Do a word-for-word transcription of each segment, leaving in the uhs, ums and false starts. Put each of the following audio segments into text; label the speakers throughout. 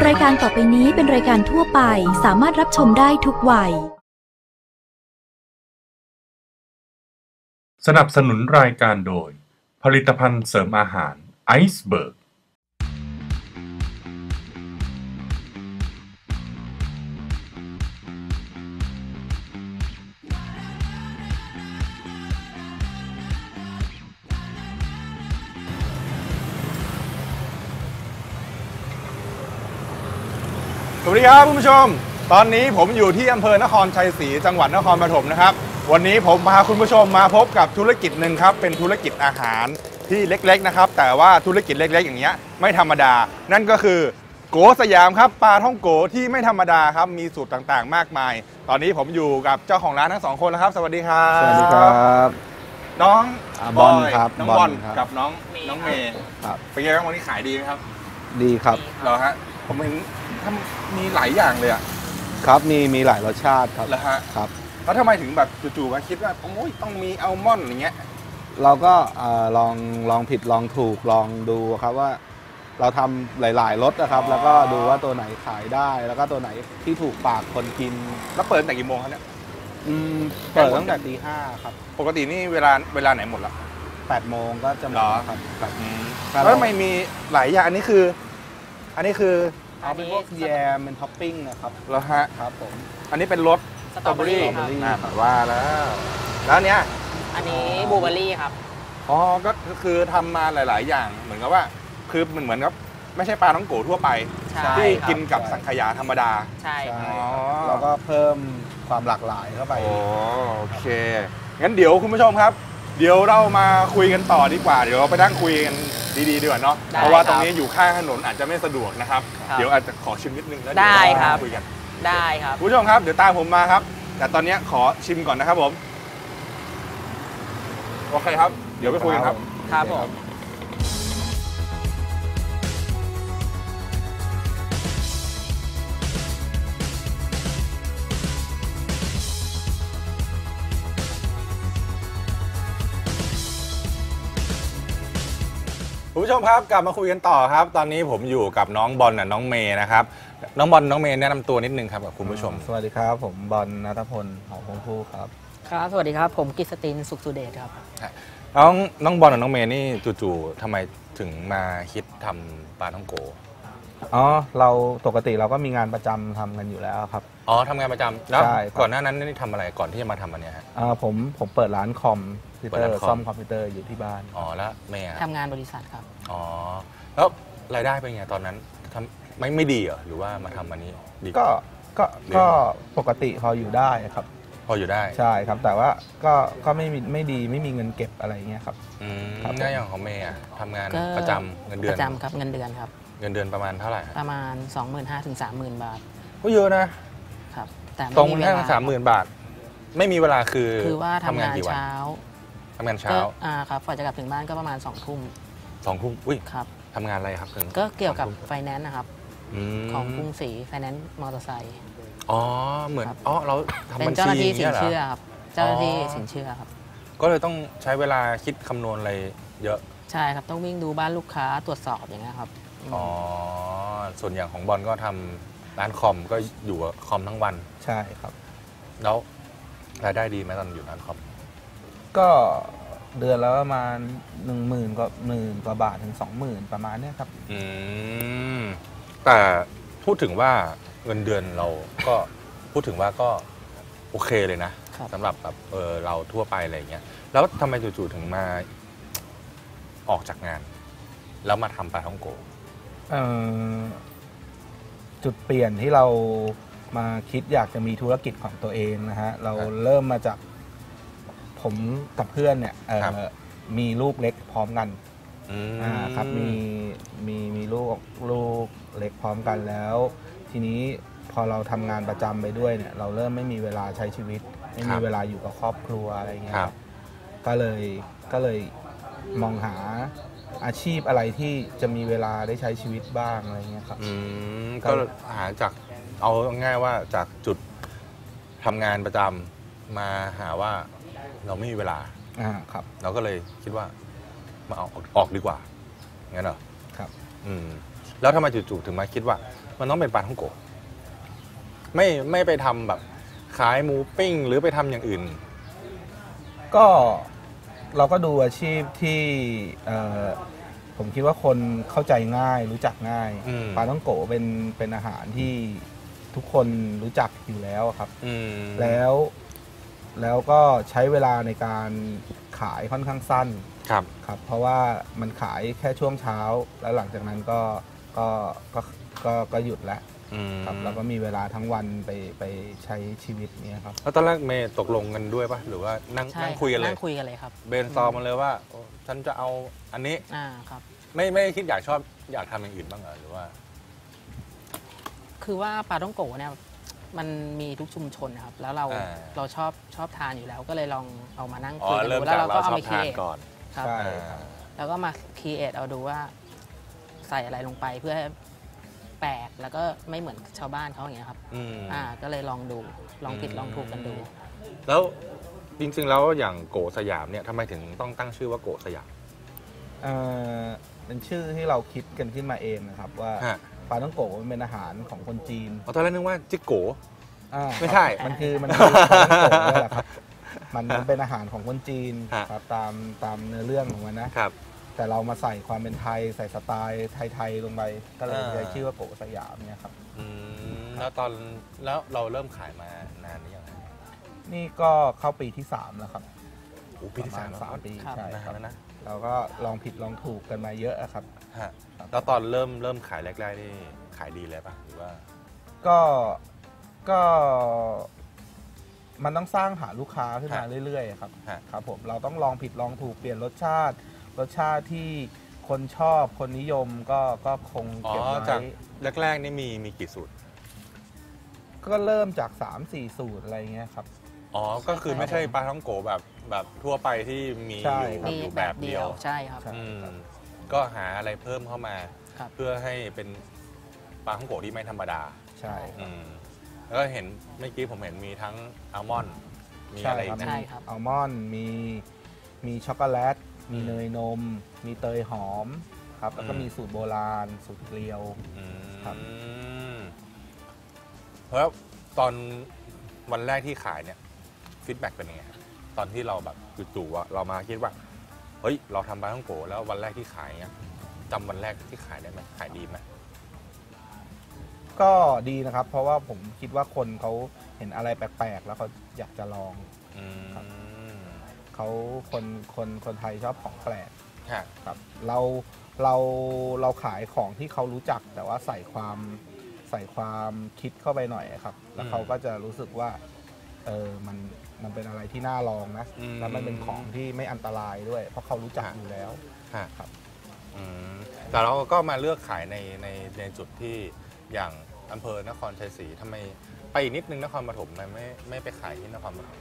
Speaker 1: รายการต่อไปนี้เป็นรายการทั่วไปสามารถรับชมได้ทุกวัย
Speaker 2: สนับสนุนรายการโดยผลิตภัณฑ์เสริมอาหารไอซ์เบิร์ก
Speaker 3: สวัสดีครับคุณผู้ชมตอนนี้ผมอยู่ที่อำเภอนครชัยศรีจังหวัดนครปฐมนะครับวันนี้ผมพาคุณผู้ชมมาพบกับธุรกิจหนึ่งครับเป็นธุรกิจอาหารที่เล็กๆนะครับแต่ว่าธุรกิจเล็กๆอย่างเงี้ยไม่ธรรมดานั่นก็คือโกสยามครับปลาท่องโกที่ไม่ธรรมดาครับมีสูตรต่างๆมากมายตอนนี้ผมอยู่กับเจ้าของร้านทั้งสองคนแล้วครับสวัสดีครับ
Speaker 4: สวัสดีครับ
Speaker 3: น้อง
Speaker 4: บอลครับ
Speaker 3: น้องบอลกับน้องน้องเมย์เป็นไงบ้างวันนี้ขายดีไหมครับ
Speaker 4: ดีครับ
Speaker 3: เหรอฮะผมเห็นทำมีหลายอย่างเลยอะ
Speaker 4: ครับมีมีหลายรสชาติครับ
Speaker 3: เหรอฮะ
Speaker 4: ครับ
Speaker 3: แล้วทำไมถึงแบบจู่ๆมาคิดว่าโอ้ยต้องมีอัลมอนด์อย่างเงี้ย
Speaker 4: เราก็ลองลองผิดลองถูกลองดูครับว่าเราทำหลายๆรสนะครับแล้วก็ดูว่าตัวไหนขายได้แล้วก็ตัวไหนที่ถูกปากคนกิน
Speaker 3: แล้วเปิดตั้งแต่กี่โมงครับเนี่ย
Speaker 4: อืมเปิดตั้งแต่ตีห้าครับ
Speaker 3: ปกตินี่เวลาเวลาไหนหมดละ
Speaker 4: แปดโมงก็จะหมดครับ
Speaker 3: แบบแล้วทำไมมีหลายอย่างอันนี้คืออันนี้คือ
Speaker 4: เอาเป็นพวกแยมเป็นท็อปปิ้งนะครับ
Speaker 3: แล้วฮะ
Speaker 4: ครับผม
Speaker 3: อันนี้เป็นรส
Speaker 5: สตรอเบอรี่
Speaker 3: อ่าแบบว่าแล้วแล้วเนี้ย
Speaker 5: อันนี้บลูเบอรี่ครับ
Speaker 3: อ๋อก็คือทำมาหลายๆอย่างเหมือนกับว่าคือมันเหมือนกับไม่ใช่ปลาท้องโกทั่วไปที่กินกับสังขยาธรรมดา
Speaker 5: ใช่
Speaker 4: แล้วก็เพิ่มความหลากหลายเข้าไป
Speaker 3: โอเคงั้นเดี๋ยวคุณผู้ชมครับเดี๋ยวเรามาคุยกันต่อดีกว่าเดี๋ยวเราไปนั่งคุยกันดีๆดีกว่าเนาะเพราะว่าตรงนี้อยู่ข้างถนนอาจจะไม่สะดวกนะครับเดี๋ยวอาจจะขอชิมนิดนึงแล้วเดี๋ยวเราคุยกัน
Speaker 5: ได้ครับ
Speaker 3: ผู้ชมครับเดี๋ยวตามผมมาครับแต่ตอนนี้ขอชิมก่อนนะครับผมโอเคครับเดี๋ยวไปคุยกันครับ
Speaker 5: ครับผม
Speaker 3: คุณผู้ชมครับกลับมาคุยกันต่อครับตอนนี้ผมอยู่กับน้องบอลน่ะน้องเมย์นะครับน้องบอลน้องเมย์แนะนำตัวนิดนึงครับกับคุณผู้ชม
Speaker 4: สวัสดีครับผมบอลณัฐพลหอพงผู้ครับ
Speaker 5: ครับสวัสดีครับผมกฤษตินสุขสุเดชครับ
Speaker 3: น้องน้องบอลกับน้องเมย์นี่จู่ๆทำไมถึงมาคิดทำปลาท่องโก
Speaker 4: อ๋อเราปกติเราก็มีงานประจำทำกันอยู่แล้วครับ
Speaker 3: อ๋อทำงานประจำแล้วก่อนหน้านั้นนี่ทำอะไรก่อนที่จะมาทำอันนี้ฮะ
Speaker 4: อ่าผมผมเปิดร้านคอมพิวเตอร์ซ่อมคอมพิวเตอร์อยู่ที่บ้าน
Speaker 3: อ๋อแล้วเมย์
Speaker 5: ทำงานบริษัทครับ
Speaker 3: อ๋อแล้วรายได้เป็นไงตอนนั้นทำไม่ไม่ดีเหรอหรือว่ามาทำอันนี้ดี
Speaker 4: ก็ก็ก็ปกติพออยู่ได้ครับ
Speaker 3: พออยู่ได้
Speaker 4: ใช่ครับแต่ว่าก็ก็ไม่มีไม่ดีไม่มีเงินเก็บอะไรเงี้ยครับ
Speaker 3: อืมง่ายอย่างของเมย์ทำงานประจำเงินเดือน
Speaker 5: ประจำครับเงินเดือนครับ
Speaker 3: เงินเดือนประมาณเท่าไหร่
Speaker 5: ประมาณ สองหมื่นห้าพัน ถึง สามหมื่น บาท
Speaker 3: ก็เยอะนะครับ
Speaker 5: แต่
Speaker 3: ตรงแค่สามหมื่นบาทไม่มีเวลาคือ
Speaker 5: คือว่าทำงานเช้า
Speaker 3: ทำงานเช้า
Speaker 5: อ่าครับกว่าจะกลับถึงบ้านก็ประมาณสองทุ่ม
Speaker 3: สองทุ่มอุ้ย
Speaker 5: ครับ
Speaker 3: ทำงานอะไรครับถึง
Speaker 5: ก็เกี่ยวกับไฟแนนซ์นะครับของกรุงศรีไฟแนนซ์มอเตอร์ไซค์
Speaker 3: อ๋อเหมือนอ๋อเราทำบัญชี
Speaker 5: เป็นเจ้าหน้าที่สินเชื่อครับเจ้าหน้าที่สินเชื่อครับ
Speaker 3: ก็เลยต้องใช้เวลาคิดคำนวณอะไรเยอะ
Speaker 5: ใช่ครับต้องวิ่งดูบ้านลูกค้าตรวจสอบอย่างเงี้ยครับ
Speaker 3: อ๋อส่วนอย่างของบอลก็ทำร้านคอมก็อยู่กับคอมทั้งวัน
Speaker 4: ใช่ครับ
Speaker 3: แล้วรายได้ดีไหมตอนอยู่ร้านคอม
Speaker 4: ก็เดือนละประมาณหนึ่งหมื่นกว่าหมื่นกว่าบาทถึงสองหมื่นประมาณนี้ครับ
Speaker 3: อืมแต่พูดถึงว่าเงินเดือนเราก็พูดถึงว่าก็โอเคเลยนะสำหรับแบบเออเราทั่วไปอะไรเงี้ยแล้วทำไมจู่ๆถึงมาออกจากงานแล้วมาทำปลาท่องโก
Speaker 4: จุดเปลี่ยนที่เรามาคิดอยากจะมีธุรกิจของตัวเองนะฮะเราเริ่มมาจากผมกับเพื่อนเนี่ยมีลูกเล็กพร้อมกันครับมีมีมีลูกลูกเล็กพร้อมกันแล้วทีนี้พอเราทำงานประจำไปด้วยเนี่ยเราเริ่มไม่มีเวลาใช้ชีวิตไม่มีเวลาอยู่กับครอบครัวอะไรเงี้ยก็เลยก็เลยมองหาอาชีพอะไรที่จะมีเวลาได้ใช้ชีวิตบ้างอะไรเงี้ยครับ
Speaker 3: ก็หาจากเอาง่ายว่าจากจุดทำงานประจำมาหาว่าเราไม่มีเวลา
Speaker 4: อ่าครับ
Speaker 3: เราก็เลยคิดว่ามาเอาออกดีกว่างั้นเหรอ
Speaker 4: ครับ
Speaker 3: อืมแล้วทำไมจู่ๆถึงมาคิดว่ามันต้องเป็นปลาท่องโกะไม่ไม่ไปทำแบบขายหมูปิ้งหรือไปทำอย่างอื่น
Speaker 4: ก็เราก็ดูอาชีพที่ผมคิดว่าคนเข้าใจง่ายรู้จักง่ายปลาท่องโกะเป็นเป็นอาหารที่ทุกคนรู้จักอยู่แล้วครับแล้วแล้วก็ใช้เวลาในการขายค่อนข้างสั้นครับครับเพราะว่ามันขายแค่ช่วงเช้าแล้วหลังจากนั้นก็ก็ก็ก็ก็หยุดแล้วครับแล้วก็มีเวลาทั้งวันไปไปใช้ชีวิตนี้ครับ
Speaker 3: แล้วตอนแรกเมย์ตกลงกันด้วยปะหรือว่านั่งนั่งคุยกันเลย
Speaker 5: นั่งคุยกันเลยครับ
Speaker 3: เบนซอมมาเลยว่าฉันจะเอาอันนี้
Speaker 5: อ่าครับ
Speaker 3: ไม่ไม่คิดอยากชอบอยากทำอย่างอื่นบ้างเหรอหรือว่า
Speaker 5: คือว่าปลาท่องโกะเนี่ยมันมีทุกชุมชนนะครับแล้วเราเราชอบชอบทานอยู่แล้วก็เลยลองเอามานั่งคุยกันดูแล้วเราก็เอามาคิด
Speaker 3: ก่อน
Speaker 5: ครับแล้วก็มาคิดเอาดูว่าใส่อะไรลงไปเพื่อแปลกแล้วก็ไม่เหมือนชาวบ้านเขาอย่างเงี้ยครับอ่าก็เลยลองดูลองผิดลองถูกกันดู
Speaker 3: แล้วจริงๆแล้วอย่างโกสยามเนี่ยทำไมถึงต้องตั้งชื่อว่าโกสยาม
Speaker 4: เอ่อเป็นชื่อที่เราคิดกันขึ้นมาเองนะครับว่าปลาท่องโกะมันเป็นอาหารของคนจีน
Speaker 3: ตอนแรกนึกว่าจิโกไม่ใช่
Speaker 4: มันคือมันคือปลาท่องโกะนี่แหละครับมันเป็นอาหารของคนจีนครับตามตามเนื้อเรื่องของมันนะครับแต่เรามาใส่ความเป็นไทยใส่สไตล์ไทยๆลงไปก็เลยได้ชื่อว่าโกสยามเนี่ยครับ
Speaker 3: แล้วตอนแล้วเราเริ่มขายมานานหรือยัง
Speaker 4: นี่ก็เข้าปีที่สามแล้วครับ
Speaker 3: โอ้ปีที่สาม
Speaker 4: สามปีใช่ครับ
Speaker 3: นะ
Speaker 4: เราก็ลองผิดลองถูกกันมาเยอะครับ
Speaker 3: แล้วตอนเริ่มเริ่มขายแรกๆนี่ขายดีเลยป่ะหรือว่า
Speaker 4: ก็ก็มันต้องสร้างหาลูกค้าขึ้นมาเรื่อยๆครับครับผมเราต้องลองผิดลองถูกเปลี่ยนรสชาติรสชาติที่คนชอบคนนิยมก็ก็คงเก็บไว้
Speaker 3: แรกๆนี่มีมีกี่สูตร
Speaker 4: ก็เริ่มจาก สามสี่ สูตรอะไรเงี้ยครับ
Speaker 3: อ๋อก็คือไม่ใช่ปลาท่องโกแบบแบบทั่วไปที่มีอยู่แบบเดียว
Speaker 5: ใช่ครับ
Speaker 3: ก็หาอะไรเพิ่มเข้ามาเพื่อให้เป็นปลาท่องโกที่ไม่ธรรมดา
Speaker 4: ใช่
Speaker 3: แล้วเห็นเมื่อกี้ผมเห็นมีทั้งอัลมอนด์มีอะไรอีก
Speaker 5: นะ
Speaker 4: อัลมอนด์มีมีช็อกโกแลตมีเนยนมมีเตยหอมครับแล้วก็มีสูตรโบราณสูตรเกลียวครับ
Speaker 3: เพราะตอนวันแรกที่ขายเนี่ยฟีดแบ็กเป็นยังไงตอนที่เราแบบจู่ๆว่าเรามาคิดว่าเฮ้ยเราทำปลาท่องโกแล้ววันแรกที่ขายเนี่ยจำวันแรกที่ขายได้ไหมขายดีไหม
Speaker 4: ก็ดีนะครับเพราะว่าผมคิดว่าคนเขาเห็นอะไรแปลกๆแล้วเขาอยากจะลองเขาคนคนคนไทยชอบของแปลกครับเราเราเราขายของที่เขารู้จักแต่ว่าใส่ความใส่ความคิดเข้าไปหน่อยครับแล้วเขาก็จะรู้สึกว่าเออมันมันเป็นอะไรที่น่าลองนะแล้วมันเป็นของที่ไม่อันตรายด้วยเพราะเขารู้จักอยู่แล้วครับ
Speaker 3: แต่เราก็มาเลือกขายในในในจุดที่อย่างอำเภอนครชัยศรีทำไมไปอีกนิดนึงนครปฐมไม่ไม่ไม่ไปขายที่นครปฐม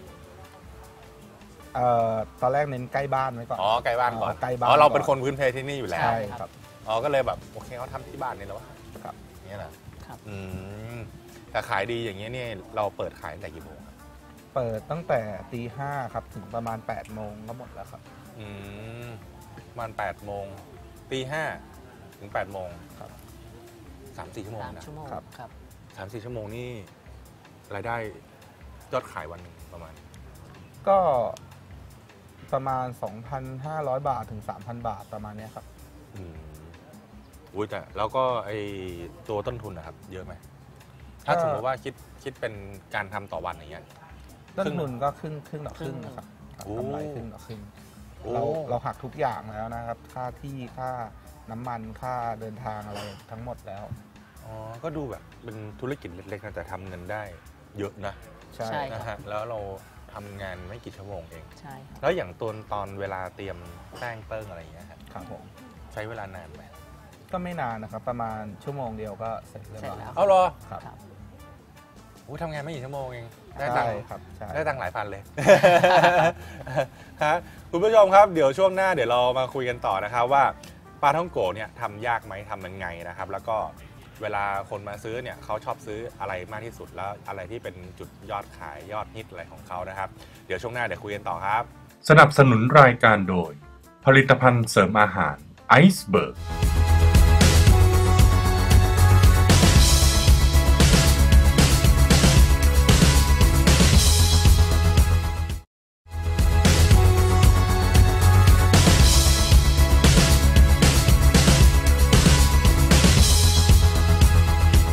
Speaker 4: เอ่อตอนแรกเน้นใกล้บ้านไว้ก่อน
Speaker 3: อ๋อใกล้บ้านก่อน
Speaker 4: ใกล้บ้าน
Speaker 3: อ๋อเราเป็นคนพื้นเพที่นี่อยู่แล้ว
Speaker 4: ใช่ครับ
Speaker 3: อ๋อก็เลยแบบโอเคเขาทำที่บ้านนี่แล้วครับนี่แหละอืมแต่ขายดีอย่างเงี้ยนี่เราเปิดขายตั้งแต่กี่โมง
Speaker 4: เปิดตั้งแต่ตีห้าครับถึงประมาณแปดโมงก็หมดแล้วครับ
Speaker 3: อืมประมาณแปดโมงตีห้าถึงแปดโมงครับสามสี่ชั่วโมงนะครับสามสี่ชั่วโมงนี่รายได้ยอดขายวันนึงประมาณ
Speaker 4: ก็ประมาณ สองพันห้าร้อย บาทถึง สามพัน บาทประมาณนี้ครับ
Speaker 3: อืมอุ้ยแต่แล้วก็ไอตัวต้นทุนนะครับเยอะไหมถ้าสมมติว่าคิดคิดเป็นการทำต่อวันอย่างเงี้ย
Speaker 4: ต้นทุนก็ครึ่งครึ่งต่อครึ่งนะครับกำไรครึ่งต่อครึ่งเราเราหักทุกอย่างแล้วนะครับค่าที่ค่าน้ำมันค่าเดินทางอะไรทั้งหมดแล้ว
Speaker 3: อ๋อก็ดูแบบเป็นธุรกิจเล็กๆนะแต่ทำเงินได้เยอะนะ
Speaker 5: ใช่
Speaker 3: นะฮะแล้วเราทำงานไม่กี่ชั่วโมงเอง
Speaker 5: ใช่ครับ
Speaker 3: แล้วอย่างตอนตอนเวลาเตรียมแป้งเติ้งอะไรอย่างเงี้ย
Speaker 4: ครับผม
Speaker 3: ใช้เวลานานไหม
Speaker 4: ก็ไม่นานนะครับประมาณชั่วโมงเดียวก็เสร็จแล้ว
Speaker 3: เอาเหรอ
Speaker 4: ครับ
Speaker 3: โอ้ทำงานไม่กี่ชั่วโมงเองได้ตังค์
Speaker 4: ครับ
Speaker 3: ได้ตังค์หลายพันเลยฮะคุณผู้ชมครับเดี๋ยวช่วงหน้าเดี๋ยวเรามาคุยกันต่อนะครับว่าปลาท่องโกเนี่ยทำยากไหมทำยังไงนะครับแล้วก็เวลาคนมาซื้อเนี่ยเขาชอบซื้ออะไรมากที่สุดแล้วอะไรที่เป็นจุดยอดขายยอดฮิตอะไรของเขานะครับเดี๋ยวช่วงหน้าเดี๋ยวคุยกันต่อครับ
Speaker 2: สนับสนุนรายการโดยผลิตภัณฑ์เสริมอาหารไอซ์เบิร์ก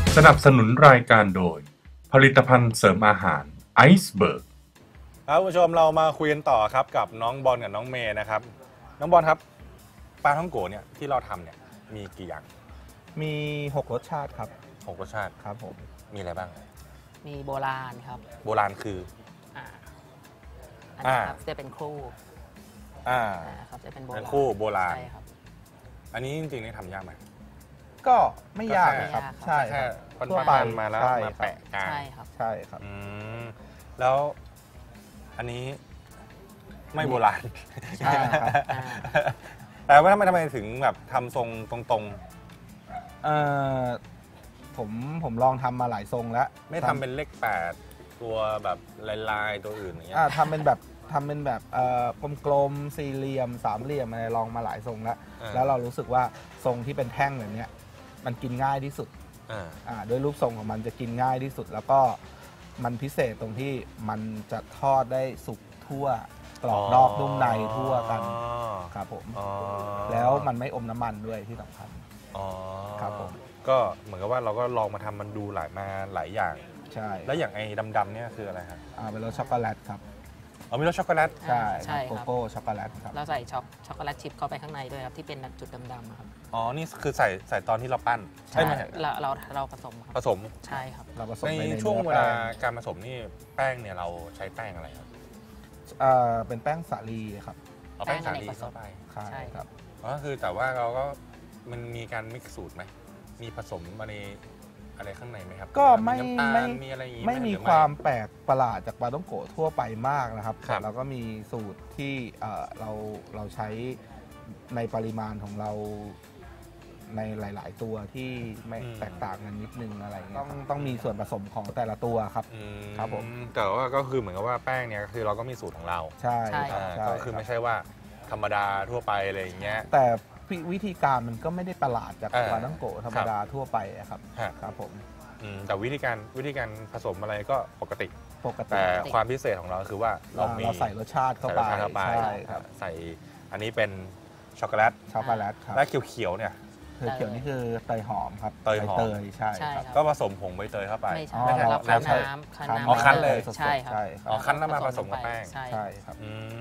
Speaker 2: สนับสนุนรายการโดยผลิตภัณฑ์เสริมอาหารไอซ์เบิร์ก
Speaker 3: ครับคุณผู้ชมเรามาคุยกันต่อครับกับน้องบอลกับน้องเมย์นะครับน้องบอลครับปลาท่องโกเนี่ยที่เราทำเนี่ยมีกี่อย่าง
Speaker 4: มีหกรสชาติครับ
Speaker 3: หกรสชาติ
Speaker 4: ครับผม
Speaker 3: มีอะไรบ้าง
Speaker 5: มีโบราณครับ
Speaker 3: โบราณคือ
Speaker 5: อ่าอันนี้ครับจะเป็นคู่
Speaker 3: อ่า
Speaker 5: ครับจะเป็นโบราณ
Speaker 3: คู่โบราณ
Speaker 5: ใช่ครับ
Speaker 3: อันนี้จริงๆนี่ทำยากไหม
Speaker 4: ก็ไม่ยากครับใช่
Speaker 3: แค่
Speaker 4: ทั่วไป
Speaker 3: มาแล้วมาแปะกลาง
Speaker 5: ใช่ครับ
Speaker 4: ใช่ครับ
Speaker 3: แล้วอันนี้ไม่โบราณ
Speaker 4: ใช่ครับ
Speaker 3: แต่ว่าทำไมทำไมถึงแบบทำทรงตรง
Speaker 4: ๆเอ่อผมผมลองทำมาหลายทรงแล้ว
Speaker 3: ไม่ทำเป็นเลขแปดตัวแบบลายๆตัวอื่นอย่างเงี้ย
Speaker 4: ทำเป็นแบบทำเป็นแบบกลมๆสี่เหลี่ยมสามเหลี่ยมอะไรลองมาหลายทรงแล้วแล้วเรารู้สึกว่าทรงที่เป็นแท่งแบบนี้มันกินง่ายที่สุดด้วยรูปทรงของมันจะกินง่ายที่สุดแล้วก็มันพิเศษตรงที่มันจะทอดได้สุกทั่วกรอบนอกนุ่มในทั่วกันครับผมแล้วมันไม่อมน้ำมันด้วยที่สำคัญครับผม
Speaker 3: ก็เหมือนกับว่าเราก็ลองมาทำมันดูหลายมาหลายอย่าง
Speaker 4: ใช่
Speaker 3: แล้วอย่างไอ้ดำๆเนี่ยคืออะไรครับ
Speaker 4: อ่าเป็นรสช็อกโกแลตครับ
Speaker 3: อ๋อมีรสช็อกโกแลต
Speaker 4: ใช่ใช่โกโก้ช็อกโกแลตครับ
Speaker 5: เราใส่ช็อกช็อกโกแลตชิพเข้าไปข้างในด้วยครับที่เป็นจุดดำๆครับ
Speaker 3: อ๋อนี่คือใส่ใส่ตอนที่เราปั้น
Speaker 5: ใช่ไหมเราเราเราผสม
Speaker 3: ผสม
Speaker 5: ใช่ครับ
Speaker 4: เราผสม
Speaker 3: ในช่วงเวลาการผสมนี่แป้งเนี่ยเราใช้แป้งอะไรครับ
Speaker 4: อ่าเป็นแป้งสาลีครับ
Speaker 3: เอาแป้งสาลีเข้าไป
Speaker 4: ใช่ครับ
Speaker 3: อ๋อคือแต่ว่าเราก็มันมีการมิกซ์สูตรไหมมีผสมมาในอะไรข้างในไหมครับ
Speaker 4: ก็ไม่ไม่
Speaker 3: มีอะไร
Speaker 4: ไม่มีความแปลกประหลาดจากปลาท่องโกะทั่วไปมากนะครับแต่เราก็มีสูตรที่เราเราใช้ในปริมาณของเราในหลายๆตัวที่ไม่แตกต่างกันนิดนึงอะไรต้องต้องมีส่วนผสมของแต่ละตัวครับครับผม
Speaker 3: แต่ว่าก็คือเหมือนกับว่าแป้งเนี่ยก็คือเราก็มีสูตรของเรา
Speaker 4: ใช่
Speaker 3: ก็คือไม่ใช่ว่าธรรมดาทั่วไปอะไรอย่างเงี้ย
Speaker 4: แต่วิธีการมันก็ไม่ได้ประหลาดจากปลาท่องโกะธรรมดาทั่วไปครับครับผม
Speaker 3: แต่วิธีการวิธีการผสมอะไรก็ปกติ
Speaker 4: ปกติ
Speaker 3: แต่ความพิเศษของเราคือว่าเรา
Speaker 4: เราใส่รสชาติเข้าไป
Speaker 3: ใช่ครับใส่อันนี้เป็นช็อกโกแลต
Speaker 4: ช็อกโกแลตครับ
Speaker 3: และเขียวๆเนี่ย
Speaker 4: เขียวนี่คือเตยหอมครับ
Speaker 3: เตยหอม
Speaker 4: เตยใช่
Speaker 5: ครับ
Speaker 3: ก็ผสมผงใบเตยเข้าไป
Speaker 5: ไม่ใช่เราคั้นน้ำคั้นน้ำ
Speaker 3: อ๋อคั้นเลย
Speaker 5: ใช่ครับ
Speaker 3: อ๋อคั้นน้ำมาผสมกับแป้ง
Speaker 4: ใช่ครับ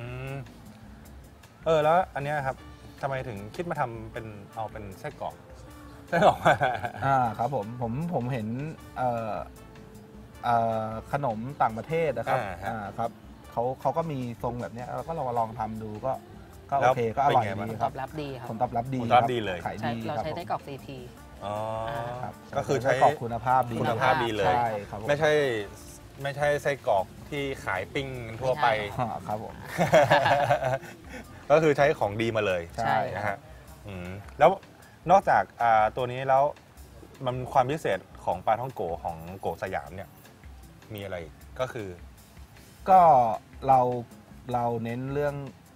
Speaker 3: เออแล้วอันนี้ครับทำไมถึงคิดมาทำเป็นเอาเป็นไส้กรอกไส้กรอก
Speaker 4: อ่าครับผมผมผมเห็นเอ่อเอ่อขนมต่างประเทศนะครับอ่าครับเขาเขาก็มีทรงแบบนี้เราก็ลองลองทำดูก็ก็โอเคก็อร่อยดีครับ
Speaker 5: ตอบรับดีครับ
Speaker 4: ผลตอบรับดี
Speaker 3: ผลตอบรับดีเลย
Speaker 4: ขายดี
Speaker 5: เราใช้ไส้กรอก ซี พี
Speaker 3: อ๋อ
Speaker 4: ครับ
Speaker 3: ก็คือใช้
Speaker 4: กรอกคุณภาพดี
Speaker 3: คุณภาพดีเลยไม่ใช่ไม่ใช่ไส้กรอกที่ขายปิ้งทั่วไป
Speaker 4: ครับผม
Speaker 3: ก็คือใช้ของดีมาเลย
Speaker 4: ใช่
Speaker 3: นะฮะแล้วนอกจากตัวนี้แล้วมันความพิเศษของปลาท่องโกของโกสยามเนี่ยมีอะไรก็คือ
Speaker 4: ก็เราเราเน้นเรื่อง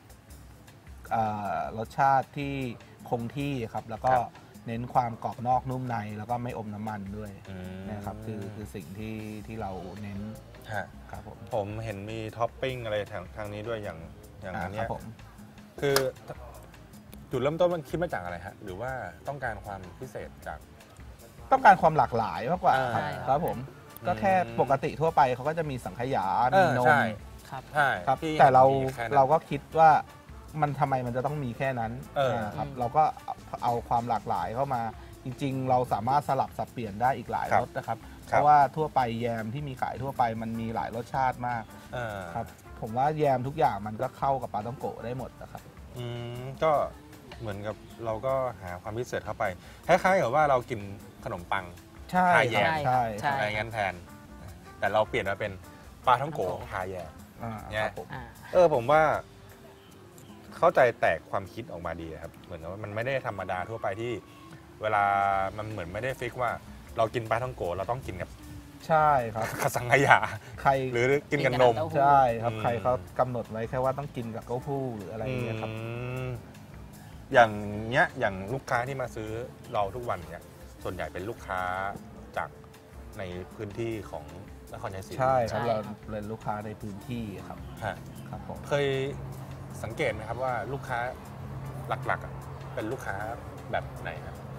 Speaker 4: รสชาติที่คงที่ครับแล้วก็เน้นความกรอบนอกนุ่มในแล้วก็ไม่อมน้ำมันด้วยนะครับคือคือสิ่งที่ที่เราเน้นครับผม
Speaker 3: ผมเห็นมีท็อปปิ้งอะไรทางทางนี้ด้วยอย่างอย่างนี้
Speaker 4: ผม
Speaker 3: คือจุดเริ่มต้นมันคิดมาจากอะไรฮะหรือว่าต้องการความพิเศษจาก
Speaker 4: ต้องการความหลากหลายมากกว่าครับผมก็แค่ปกติทั่วไปเขาก็จะมีสังขยามีนม
Speaker 5: ครับ
Speaker 3: ใช่
Speaker 4: ครับแต่เราเราก็คิดว่ามันทำไมมันจะต้องมีแค่นั้นครับเราก็เอาความหลากหลายเข้ามาจริงๆเราสามารถสลับสับเปลี่ยนได้อีกหลายรสนะครับเพราะว่าทั่วไปแยมที่มีขายทั่วไปมันมีหลายรสชาติมากครับผมว่าแยมทุกอย่างมันก็เข้ากับปลาท่องโกะได้หมดนะครับ
Speaker 3: อืมก็เหมือนกับเราก็หาความพิเศษเข้าไปคล้ายๆกับว่าเรากินขนมปัง
Speaker 4: ใช่
Speaker 3: แยม
Speaker 4: ใช่
Speaker 3: ใช่อะไรงั้นแทนแต่เราเปลี่ยนมาเป็นปลาท่องโกะทาแยมเนี่ยเออผมว่าเข้าใจแตกความคิดออกมาดีครับเหมือนกับว่ามันไม่ได้ธรรมดาทั่วไปที่เวลามันเหมือนไม่ได้ฟิกว่าเรากินปลาท่องโกะเราต้องกินกับ
Speaker 4: ใช่ครับ
Speaker 3: กับสังขยา
Speaker 4: ใคร
Speaker 3: หรือกินกับนม
Speaker 4: ใช่ครับใครเขากำหนดไว้แค่ว่าต้องกินกับเต้าหู้หรืออะไรอย่างเงี้ยครับ
Speaker 3: อย่างเงี้ยอย่างลูกค้าที่มาซื้อเราทุกวันเนี่ยส่วนใหญ่เป็นลูกค้าจากในพื้นที่ของนครชัยศรี
Speaker 4: ใช่ครับเราเป็นลูกค้าในพื้นที่ครับครับผม
Speaker 3: เคยสังเกตไหมครับว่าลูกค้าหลักๆเป็นลูกค้าแบบไหนครับ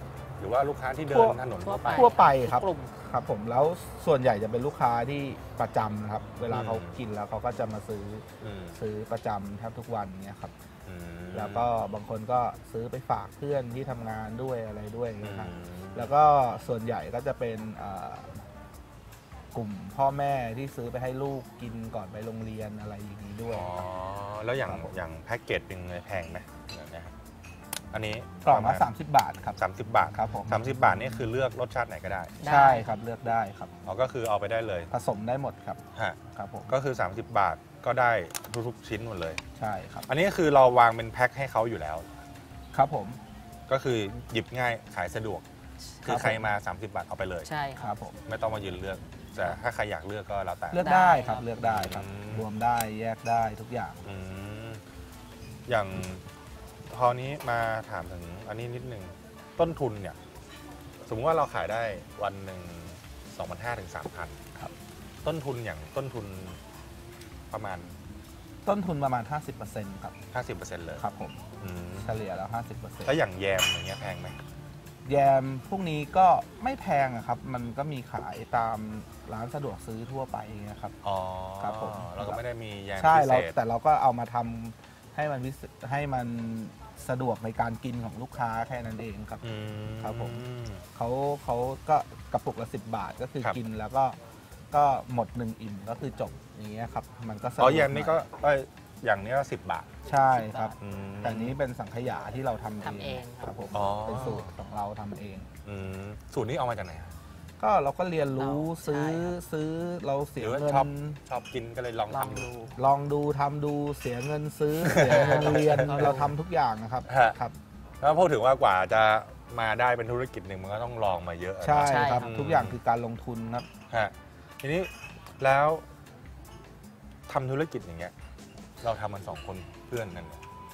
Speaker 3: รือว่าลูกค้าที่เดินถนนทั่วไป
Speaker 4: ทั่วไปครับ
Speaker 5: กลุ่ม
Speaker 4: ครับผมแล้วส่วนใหญ่จะเป็นลูกค้าที่ประจำนะครับเวลาเขากินแล้วเขาก็จะมาซื้อซื้อประจำแทบทุกวันเนี่ยครับแล้วก็บางคนก็ซื้อไปฝากเพื่อนที่ทำงานด้วยอะไรด้วยนะครับแล้วก็ส่วนใหญ่ก็จะเป็นกลุ่มพ่อแม่ที่ซื้อไปให้ลูกกินก่อนไปโรงเรียนอะไรอย่างนี้ด้วยอ๋อ
Speaker 3: แล้วอย่างอย่างแพ็กเกจเป็นไงแพงไหมนะครับอันนี้
Speaker 4: กล่องละสามสิบบาทครับ
Speaker 3: สามสิบบาท
Speaker 4: ครับผม
Speaker 3: สามสิบบาทนี่คือเลือกรสชาติไหนก็ได้
Speaker 4: ใช่ครับเลือกได้ครับ
Speaker 3: อ๋อก็คือเอาไปได้เลย
Speaker 4: ผสมได้หมดครับ
Speaker 3: ฮะ
Speaker 4: ครับผม
Speaker 3: ก็คือสามสิบบาทก็ได้ทุกๆชิ้นหมดเลย
Speaker 4: ใช่ครับ
Speaker 3: อันนี้คือเราวางเป็นแพ็คให้เขาอยู่แล้ว
Speaker 4: ครับผม
Speaker 3: ก็คือหยิบง่ายขายสะดวกคือใครมาสามสิบบาทเอาไปเลย
Speaker 5: ใช่
Speaker 4: ครับผม
Speaker 3: ไม่ต้องมายืนเลือกแต่ถ้าใครอยากเลือกก็แล้วแต่
Speaker 4: เลือกได้ครับเลือกได้ครับรวมได้แยกได้ทุกอย่าง
Speaker 3: อย่างพอนี้มาถามถึงอันนี้นิดนึงต้นทุนเนี่ยสมมติว่าเราขายได้วันหนึ่ง สองพันห้าร้อย ถึง สามพัน
Speaker 4: ครับ
Speaker 3: ต้นทุนอย่างต้นทุนประมาณ
Speaker 4: ต้นทุนประมาณ ห้าสิบเปอร์เซ็นต์ ครับ
Speaker 3: ห้าสิบเปอร์เซ็นต์ เลย
Speaker 4: ครับผมเฉลี่ยแล้ว ห้าสิบเปอร์เซ็นต์
Speaker 3: แล้วอย่างแยมอย่างเงี้ยแพงไหม
Speaker 4: แยมพวกนี้ก็ไม่แพงครับมันก็มีขายตามร้านสะดวกซื้อทั่วไปนะครับ
Speaker 3: อ๋อ
Speaker 4: ครับผม
Speaker 3: เราก็ไม่ได้มีแยม
Speaker 4: ใช่เราแต่เราก็เอามาทำให้มันให้มันสะดวกในการกินของลูกค้าแค่นั้นเองครับครับผมเขาเขาก็กระปุกละสิบบาทก็คือกินแล้วก็ก็หมดหนึ่งอิ่มก็คือจบอย่างเงี้ยครับมันก็
Speaker 3: อ๋อแยมนี่ก็อย่างนี้ก็สิบบาท
Speaker 4: ใช่ครับแต่นี้เป็นสังขยาที่เราทำ
Speaker 5: เอง
Speaker 4: ครับผมเป็นสูตรของเราทำเอง
Speaker 3: สูตรนี้เอามาจากไหน
Speaker 4: ก็เราก็เรียนรู้ซื้อซื้อเราเสียเงิน
Speaker 3: ชอบกินก็เลยลองทำดู
Speaker 4: ลองดูทำดูเสียเงินซื้อเสียเงินเรียนเราทำทุกอย่างนะครับครับ
Speaker 3: แล้วพูดถึงว่ากว่าจะมาได้เป็นธุรกิจหนึ่งมันก็ต้องลองมาเยอะ
Speaker 4: ใช่ครับทุกอย่างคือการลงทุนครับ
Speaker 3: ทีนี้แล้วทำธุรกิจอย่างเงี้ยเราทำมันสองคนเพื่อนกัน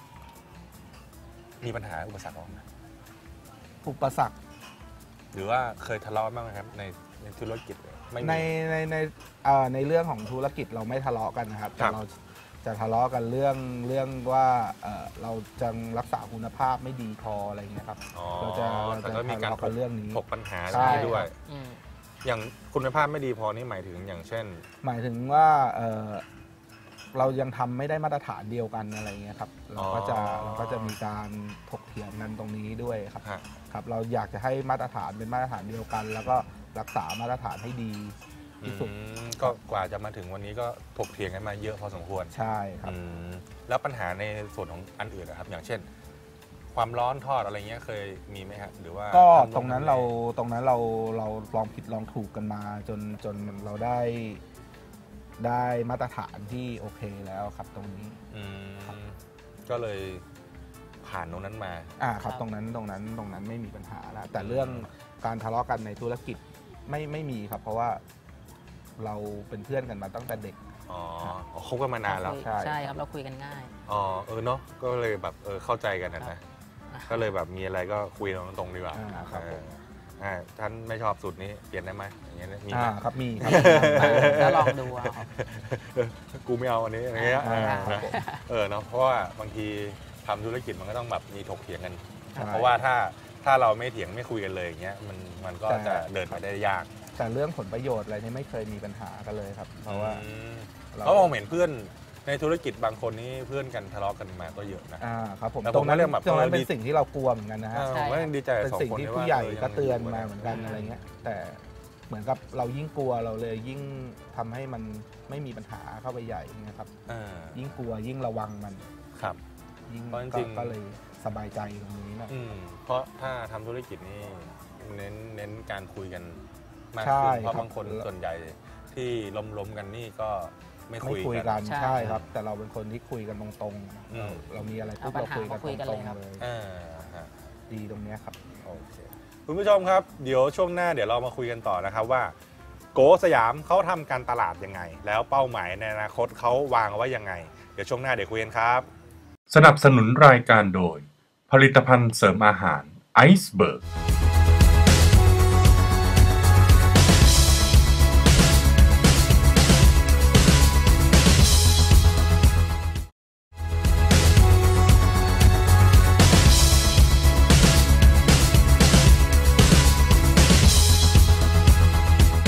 Speaker 3: มีปัญหาอุปสรรคบ้างไหม
Speaker 4: อุปสรรค
Speaker 3: หรือว่าเคยทะเลาะบ้างไหมครับในในธุรกิจ
Speaker 4: ในในในในเรื่องของธุรกิจเราไม่ทะเลาะกันนะครับแต่เราจะทะเลาะกันเรื่องเรื่องว่าเราจะรักษาคุณภาพไม่ดีพออะไรเงี้ยครับ
Speaker 3: เราจะเราจะทะเลาะกันเรื่องนี้ถกปัญหาด้วยอย่างคุณภาพไม่ดีพอนี่หมายถึงอย่างเช่น
Speaker 4: หมายถึงว่าเรายังทำไม่ได้มาตรฐานเดียวกันอะไรเงี้ยครับเราก็จะเราก็จะมีการถกเถียงกันตรงนี้ด้วยครับครับเราอยากจะให้มาตรฐานเป็นมาตรฐานเดียวกันแล้วก็รักษามาตรฐานให้ดีที่สุด
Speaker 3: ก็กว่าจะมาถึงวันนี้ก็ถกเถียงกันมาเยอะพอสมควร
Speaker 4: ใช่ครับ
Speaker 3: แล้วปัญหาในส่วนของอันอื่นนะครับอย่างเช่นความร้อนทอดอะไรเงี้ยเคยมีไหมครับหรือว่า
Speaker 4: ก็ตรงนั้นเราตรงนั้นเราเราลองผิดลองถูกกันมาจนจนเราได้ได้มาตรฐานที่โอเคแล้วครับตรงนี้
Speaker 3: ก็เลยผ่านตรงนั้นมา
Speaker 4: อ่าครับตรงนั้นตรงนั้นตรงนั้นไม่มีปัญหาแล้วแต่เรื่องการทะเลาะกันในธุรกิจไม่ไม่มีครับเพราะว่าเราเป็นเพื่อนกันมาตั้งแต่เด็ก
Speaker 3: อ๋อคบกันมานานแล้ว
Speaker 5: ใช่ใช่ครับเราคุยกันง่าย
Speaker 3: อ๋อเออเนาะก็เลยแบบเออเข้าใจกันนะก็เลยแบบมีอะไรก็คุยตรงๆดีกว่า
Speaker 4: ครับ
Speaker 3: อ่าท่านไม่ชอบสูตรนี้เปลี่ยนได้ไหมอย่างเงี้ยมี
Speaker 4: อ่าครับมีครับ
Speaker 5: แล้วลองดูอ่ะ
Speaker 3: กูไม่เอาอันนี้อย่างเงี้ยเออเนาะเพราะว่าบางทีทำธุรกิจมันก็ต้องแบบมีถกเถียงกันเพราะว่าถ้าถ้าเราไม่เถียงไม่คุยกันเลยอย่างเงี้ยมันมันก็จะเดินไปได้ยาก
Speaker 4: แต่เรื่องผลประโยชน์อะไรนี่ไม่เคยมีปัญหากันเลยครับเพราะว่า
Speaker 3: เขามองเห็นเพื่อนในธุรกิจบางคนนี้เพื่อนกันทะเลาะกันมาก็เยอะนะ
Speaker 4: อ่าครับผมตรงนั้นเรื่องแบบตรงนั้นเป็นสิ่งที่เรากลัวเหมือนกันนะฮะ
Speaker 3: ดีใจ
Speaker 4: เป็นสิ่งที่ผู้ใหญ่ก็เตือนมาเหมือนกันอะไรเงี้ยแต่เหมือนกับเรายิ่งกลัวเราเลยยิ่งทำให้มันไม่มีปัญหาเข้าไปใหญ่นะครับยิ่งกลัวยิ่งระวังมัน
Speaker 3: ครับ
Speaker 4: ยิ่งก็เลยสบายใจตรงนี้นะ
Speaker 3: เพราะถ้าทำธุรกิจนี่เน้นเน้นการคุยกันมากขึ้นเพราะบางคนส่วนใหญ่ที่ล้มๆกันนี่ก็ไม่คุย
Speaker 4: กันใช่ครับแต่เราเป็นคนที่คุยกันตรงๆเรามีอะไรปุ๊บเราคุยกันตรงๆเลยดีตรงนี้ครับ
Speaker 3: โอเคคุณผู้ชมครับเดี๋ยวช่วงหน้าเดี๋ยวเรามาคุยกันต่อนะครับว่าโกสยามเขาทำการตลาดยังไงแล้วเป้าหมายในอนาคตเขาวางไว้ยังไงเดี๋ยวช่วงหน้าเดี๋ยวคุยกันครับ
Speaker 2: สนับสนุนรายการโดยผลิตภัณฑ์เสริมอาหารไอซ์เบิร์ก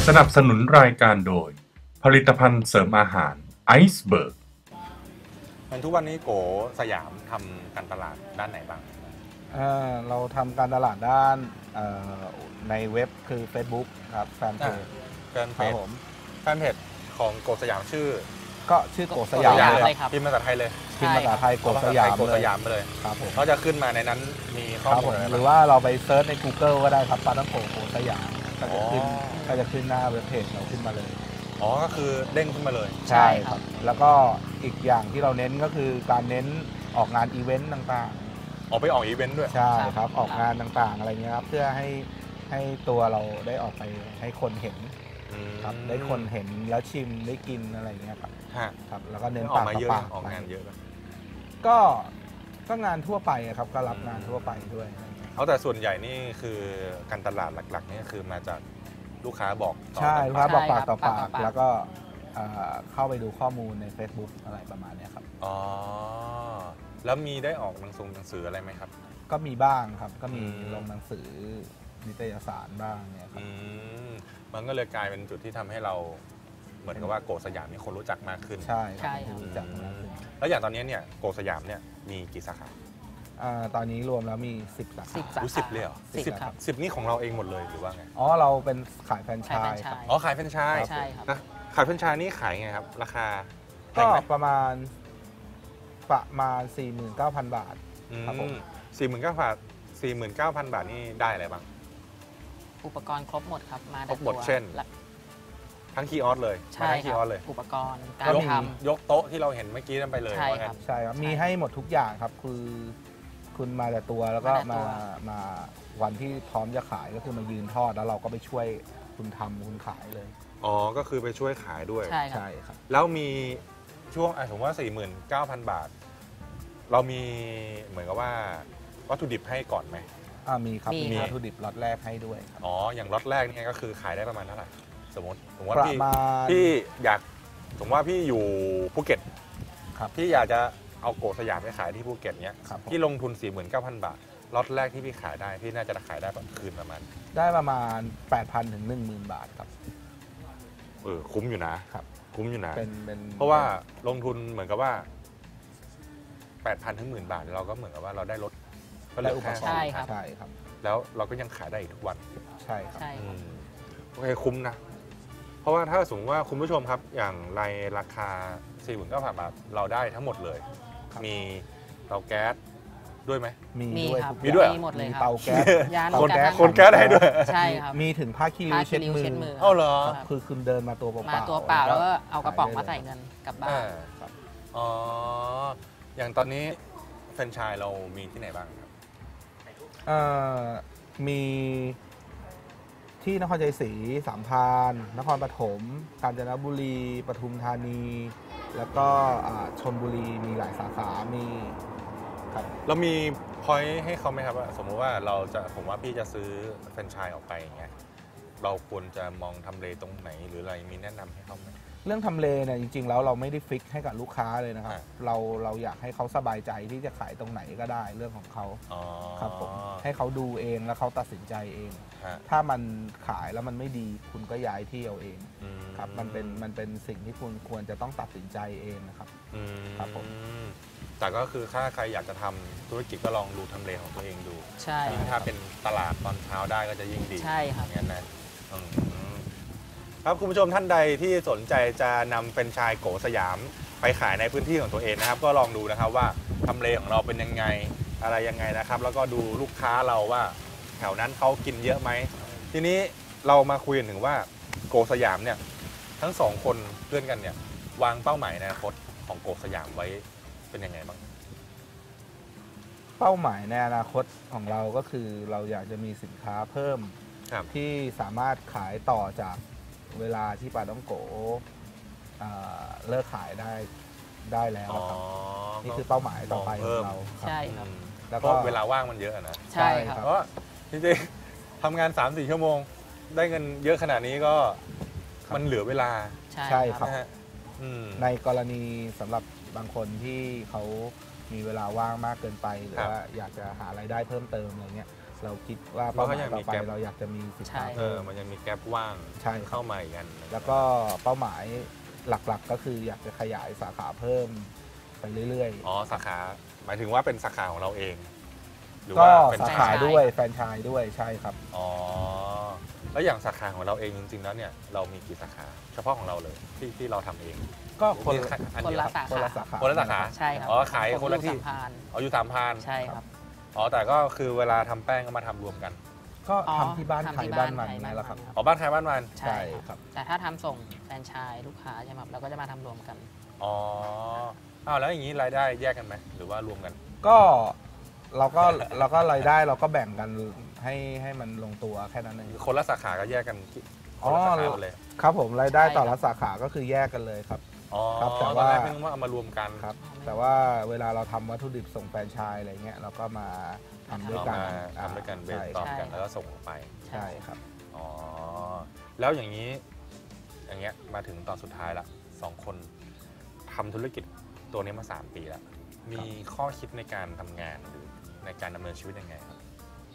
Speaker 2: สนับสนุนรายการโดยผลิตภัณฑ์เสริมอาหารไอซ์เบิร์ก
Speaker 3: ทุกวันนี้โกสยามทำการตลาดด้านไหนบ้าง
Speaker 4: เราทำการตลาดด้านในเว็บคือ Facebook ครับแฟนเพจ
Speaker 3: แฟนเพจผมแฟนเพจของโกสยามชื่อ
Speaker 4: ก็ชื่อโกสยาม
Speaker 5: เลยครับ
Speaker 3: พิมพ์ภาษาไทยเลย
Speaker 4: พิมพ์ภาษาไทยโกสยาม
Speaker 3: โกสยามไปเลย
Speaker 4: ครับผม
Speaker 3: เขาจะขึ้นมาในนั้นมีข้อมูล
Speaker 4: หรือว่าเราไปเซิร์ชใน Google ก็ได้ครับปลาท่องโกโกสยามก็จะขึ้นก็จะขึ้นหน้าเว็บเพจเราขึ้นมาเลย
Speaker 3: อ๋อก็คือเด้งขึ้นมาเลย
Speaker 4: ใช่ครับแล้วก็อีกอย่างที่เราเน้นก็คือการเน้นออกงานอีเวนต์ต่าง
Speaker 3: ๆออกไปออกอีเวนต์ด้วย
Speaker 4: ใช่ครับออกงานต่างๆอะไรเงี้ยครับเพื่อให้ให้ตัวเราได้ออกไปให้คนเห็นครับได้คนเห็นแล้วชิมได้กินอะไรเงี้ยครับครับแล้วก็เน้นปากต่อปาก
Speaker 3: ออกงานเยอะ
Speaker 4: ก็ก็งานทั่วไปครับก็รับงานทั่วไปด้วย
Speaker 3: เอาแต่ส่วนใหญ่นี่คือการตลาดหลักๆนี่คือมาจากลูกค้าบอก
Speaker 4: ใช่ลูกค้าบอกปากต่อปากแล้วก็เข้าไปดูข้อมูลใน Facebook อะไรประมาณนี้ครับ
Speaker 3: อ๋อแล้วมีได้ออกหนังสือหนังสืออะไรไหมครับ
Speaker 4: ก็มีบ้างครับก็มีลงหนังสือนิตยสารบ้างเนี่ยครับ
Speaker 3: มันก็เลยกลายเป็นจุดที่ทำให้เราเหมือนกับว่าโกสยามมีคนรู้จักมากขึ้น
Speaker 4: ใช่ใช่รู้จักมากขึ้น
Speaker 3: แล้วอย่างตอนนี้เนี่ยโกสยามเนี่ยมีกี่สาขา
Speaker 4: ตอนนี้รวมแล้วมีสิบสาขา
Speaker 3: สิบเลยเหรอสิบครับสิบนี่ของเราเองหมดเลยหรือว่าไง
Speaker 4: อ๋อเราเป็นขายแฟรนไชส์ครับ
Speaker 3: อ๋อขายแฟรนไชส์
Speaker 5: ใช่ครับ
Speaker 3: ขายแฟรนไชส์นี่ขายไงครับราคา
Speaker 4: ก็ประมาณประมาณ สี่หมื่นเก้าพัน บาทครับผม
Speaker 3: สี่หมื่นเก้าพัน บาท สี่หมื่นเก้าพัน บาทนี่ได้อะไรบ้าง
Speaker 5: อุปกรณ์ครบหมดครับมา
Speaker 3: ครบหมดเช่นทั้งคีย์ออสเลย
Speaker 5: ใช่ครับอุปกรณ์การท
Speaker 3: ำยกโต๊ะที่เราเห็นเมื่อกี้นั่นไปเลย
Speaker 5: ใช่ครับ
Speaker 4: ใช่ครับมีให้หมดทุกอย่างครับคือคุณมาแต่ตัวแล้วก็มามาวันที่พร้อมจะขายก็คือมายืนทอดแล้วเราก็ไปช่วยคุณทำคุณขายเลย
Speaker 3: อ๋อก็คือไปช่วยขายด้วย
Speaker 5: ใช่
Speaker 4: ครับ
Speaker 3: แล้วมีช่วงสมมติว่า สี่หมื่นเก้าพัน บาทเรามีเหมือนกับว่าวัตถุดิบให้ก่อนไหม
Speaker 4: อ่ามีครับมีวัตถุดิบล็อตแรกให้ด้วย
Speaker 3: อ๋ออย่างล็อตแรกนี่ก็คือขายได้ประมาณเท่าไหร่สมมติสมมติว่าพี่พี่อยากสมมติว่าพี่อยู่ภูเก็ต
Speaker 4: ครับ
Speaker 3: พี่อยากจะเอาโกสยามไปขายที่ภูเก็ตเนี้ยพี่ลงทุน สี่หมื่นเก้าพัน บาทล็อตแรกที่พี่ขายได้พี่น่าจะขายได้คืนประมาณ
Speaker 4: ได้ประมาณ แปดพัน ถึง หนึ่งหมื่น บาทครับ
Speaker 3: เออคุ้มอยู่นะครับคุ้มอยู่นะ
Speaker 4: เป็นเป็น
Speaker 3: เพราะว่าลงทุนเหมือนกับว่า แปดพัน ถึง หนึ่งหมื่น บาทเราก็เหมือนกับว่าเราได้ลด
Speaker 4: ก็ได้อุปกรณ์
Speaker 5: ใช่ครับ
Speaker 4: ใช่ครับ
Speaker 3: แล้วเราก็ยังขายได้อีกทุกวัน
Speaker 4: ใช่ครับ
Speaker 3: โอเคคุ้มนะเพราะว่าถ้าสมมติว่าคุณผู้ชมครับอย่างในราคา สี่หมื่นเก้าพัน บาทเราได้ทั้งหมดเลยมีเตาแก๊สด้วยไหม
Speaker 4: มีด้วย
Speaker 3: มีด้วย
Speaker 5: มีหมดเลยครับ
Speaker 4: เตาแก๊ส
Speaker 3: คนแก๊สคนแก๊สได้ด้วย
Speaker 5: ใช่ครับ
Speaker 4: มีถึงผ้าคีริ้วเช็ดมือ
Speaker 3: เอ้าเหรอ
Speaker 4: คือคุณเดินมาตัวเปล่า
Speaker 5: มาตัวเปล่าแล้วก็เอากระป๋องมาใส่เงินกลับบ้าน
Speaker 3: อ๋ออย่างตอนนี้แฟรนไชส์เรามีที่ไหนบ้างครับ
Speaker 4: มีที่นครชัยศรีสามพรานนครปฐมกาญจนบุรีปทุมธานีแล้วก็ชลบุรีมีหลายสาขามี
Speaker 3: ครับเรามีพอยต์ให้เขาไหมครับว่าสมมติว่าเราจะผมว่าพี่จะซื้อแฟรนไชส์ออกไปอย่างเงี้ยเราควรจะมองทำเลตรงไหนหรืออะไรมีแนะนำให้เขาไหม
Speaker 4: เรื่องทำเลเนี่ยจริงๆแล้วเราไม่ได้ฟิกให้กับลูกค้าเลยนะครับเราเราอยากให้เขาสบายใจที่จะขายตรงไหนก็ได้เรื่องของเขาครับผมให้เขาดูเองแล้วเขาตัดสินใจเองถ้ามันขายแล้วมันไม่ดีคุณก็ย้ายที่เอาเองครับมันเป็นมันเป็นสิ่งที่คุณควรจะต้องตัดสินใจเองนะครับครับผม
Speaker 3: แต่ก็คือถ้าใครอยากจะทำธุรกิจก็ลองดูทำเลของตัวเองดู
Speaker 5: ใช่
Speaker 3: ถ้าเป็นตลาดตอนเช้าได้ก็จะยิ่งดี
Speaker 5: ใช่ครับ
Speaker 3: งั้นนะครับคุณผู้ชมท่านใดที่สนใจจะนำแฟรนไชส์โกสยามไปขายในพื้นที่ของตัวเองนะครับก็ลองดูนะครับว่าทำเลของเราเป็นยังไงอะไรยังไงนะครับแล้วก็ดูลูกค้าเราว่าแถวนั้นเขากินเยอะไหมทีนี้เรามาคุยกันถึงว่าโกสยามเนี่ยทั้งสองคนเพื่อนกันเนี่ยวางเป้าหมายในอนาคตของโกสยามไว้เป็นยังไงบ้าง
Speaker 4: เป้าหมายในอนาคตของเราก็คือเราอยากจะมีสินค้าเพิ่มที่สามารถขายต่อจากเวลาที่ปลาต้องโกเลิกขายได้ได้แล้วครับนี่คือเป้าหมายต่อไปของเรา
Speaker 5: ใช่ครับ
Speaker 3: แล้วก็เวลาว่างมันเยอะนะ
Speaker 5: ใช่ครับ
Speaker 3: เพราะจริงๆทำงาน สามสี่ ชั่วโมงได้เงินเยอะขนาดนี้ก็มันเหลือเวลา
Speaker 4: ใช่ครับในกรณีสำหรับบางคนที่เขามีเวลาว่างมากเกินไปหรือว่าอยากจะหารายได้เพิ่มเติมอะไรเงี้ยเราคิดว่าเป้าหมายต่อไปเราอยากจะมีสิบสาขา
Speaker 3: เออมันยังมีแกลบว่าง
Speaker 4: ใช่
Speaker 3: เข้ามาอีกอัน
Speaker 4: แล้วก็เป้าหมายหลักๆก็คืออยากจะขยายสาขาเพิ่มไปเรื่อยๆ
Speaker 3: อ๋อสาขาหมายถึงว่าเป็นสาขาของเราเอง
Speaker 4: ก็สาขาด้วยแฟรนไชส์ด้วยใช่ครับ
Speaker 3: อ๋อแล้วอย่างสาขาของเราเองจริงๆแล้วเนี่ยเรามีกี่สาขาเฉพาะของเราเลยที่ที่เราทำเอง
Speaker 4: ก็คน
Speaker 5: คนละสาขา
Speaker 4: คนละสาขา
Speaker 3: คนละสาขา
Speaker 5: ใช่ครับ
Speaker 3: อ๋อขายคนละที่อ๋ออยู่สามพาน
Speaker 5: ใช่ครับ
Speaker 3: อ๋อแต่ก็คือเวลาทำแป้งก็มาทำรวมกัน
Speaker 4: ก็ทำที่บ้านใครบ้านมันนั่นแหละครับ
Speaker 3: อ๋อบ้านใครบ้านมัน
Speaker 5: ใช่ครับแต่ถ้าทำส่งแฟรนไชส์ลูกค้าใช่ไหมเราก็จะมาทำรวมกัน
Speaker 3: อ๋ออ้าวแล้วอย่างนี้รายได้แยกกันไหมหรือว่ารวมกัน
Speaker 4: ก็เราก็เราก็รายได้เราก็แบ่งกันให้ให้มันลงตัวแค่นั้นเอง
Speaker 3: คนละสาขาก็แยกกัน
Speaker 4: อ๋อเลยครับผมรายได้ต่อละสาขาก็คือแยกกันเลยครับ
Speaker 3: อ๋อ
Speaker 4: ครับ
Speaker 3: แต่ว่าไม่ต้องว่าเอามารวมกัน
Speaker 4: ครับแต่ว่าเวลาเราทำวัตถุดิบส่งแฟรนไชส์อะไรเงี้ยเราก็มาทำด้วยกัน
Speaker 3: ทำด้วยกันเบสตอมกันแล้วก็ส่งออกไป
Speaker 4: ใช่ครับ
Speaker 3: อ๋อแล้วอย่างนี้อย่างเงี้ยมาถึงตอนสุดท้ายละสองคนทำธุรกิจตัวนี้มาสามปีแล้วมีข้อคิดในการทำงานหรือในการดำเนินชีวิตยังไงครับ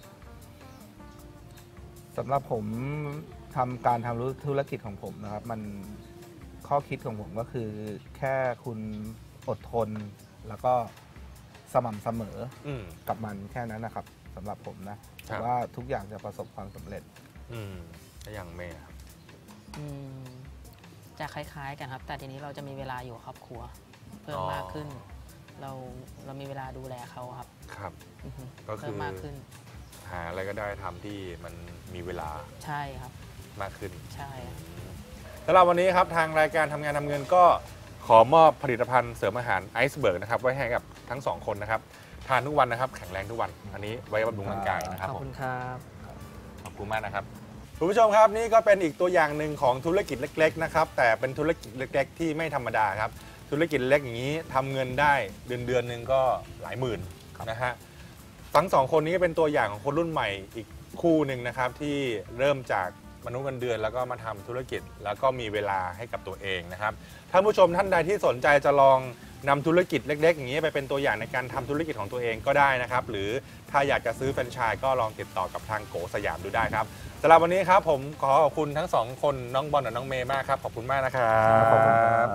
Speaker 4: สำหรับผมทำการทำธุรกิจของผมนะครับมันข้อคิดของผมก็คือแค่คุณอดทนแล้วก็สม่ำเสมอกับมันแค่นั้นนะครับสำหรับผมนะแต่ว่าทุกอย่างจะประสบความสำเร็จ
Speaker 3: อืมแล้วอย่างเมย์ครับ
Speaker 5: อืมจะคล้ายๆกันครับแต่ทีนี้เราจะมีเวลาอยู่ครอบครัวเพิ่มมากขึ้นเราเรามีเวลาดูแลเขาครับ
Speaker 3: ครับก็คือ
Speaker 5: มากขึ้น
Speaker 3: หาอะไรก็ได้ทำที่มันมีเวลา
Speaker 5: ใช่ครับ
Speaker 3: มากขึ้น
Speaker 5: ใช่
Speaker 3: สำหรับวันนี้ครับทางรายการทำงานทำเงินก็ขอมอบผลิตภัณฑ์เสริมอาหารไอซ์เบิร์กนะครับไว้ให้กับทั้งสองคนนะครับทานทุกวันนะครับแข็งแรงทุกวันอันนี้ไว้บำรุงร่างกายนะครับ
Speaker 5: ขอบคุณครับ
Speaker 3: ขอบคุณมากนะครับคุณผู้ชมครับนี่ก็เป็นอีกตัวอย่างหนึ่งของธุรกิจเล็กๆนะครับแต่เป็นธุรกิจเล็กๆที่ไม่ธรรมดาครับธุรกิจเล็กอย่างนี้ทำเงินได้เดือนเดือนหนึ่งก็หลายหมื่นนะฮะทั้งสองคนนี้เป็นตัวอย่างของคนรุ่นใหม่อีกคู่หนึ่งนะครับที่เริ่มจากมนุษย์เงินเดือนแล้วก็มาทำธุรกิจแล้วก็มีเวลาให้กับตัวเองนะครับท่านผู้ชมท่านใดที่สนใจจะลองนำธุรกิจเล็กๆอย่างนี้ไปเป็นตัวอย่างในการทำธุรกิจของตัวเองก็ได้นะครับหรือถ้าอยากจะซื้อแฟรนไชส์ก็ลองติดต่อกับทางโกสยามดูได้ครับสำหรับวันนี้ครับผมขอขอบคุณทั้งสองคนน้องบอลและน้องเมย์มากครับขอบคุณมากนะครับ
Speaker 4: ขอบคุณครับ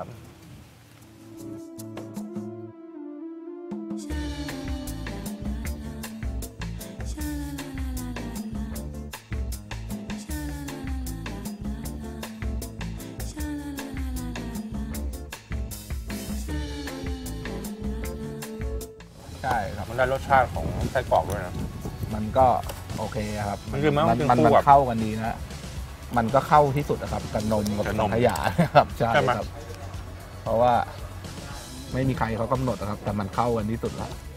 Speaker 4: ใช่ครับ
Speaker 3: มันได้รสชาติของไส้กรอกด้วยนะ
Speaker 4: มันก็โอเคครับ
Speaker 3: มันคือมัน
Speaker 4: มันเข้ากันดีนะมันก็เข้าที่สุดนะครับกับนมกับสังขยาครับใช่ครับเพราะว่าไม่มีใครเขากำหนดนะครับแต่มันเข้ากันที่สุดแล้ว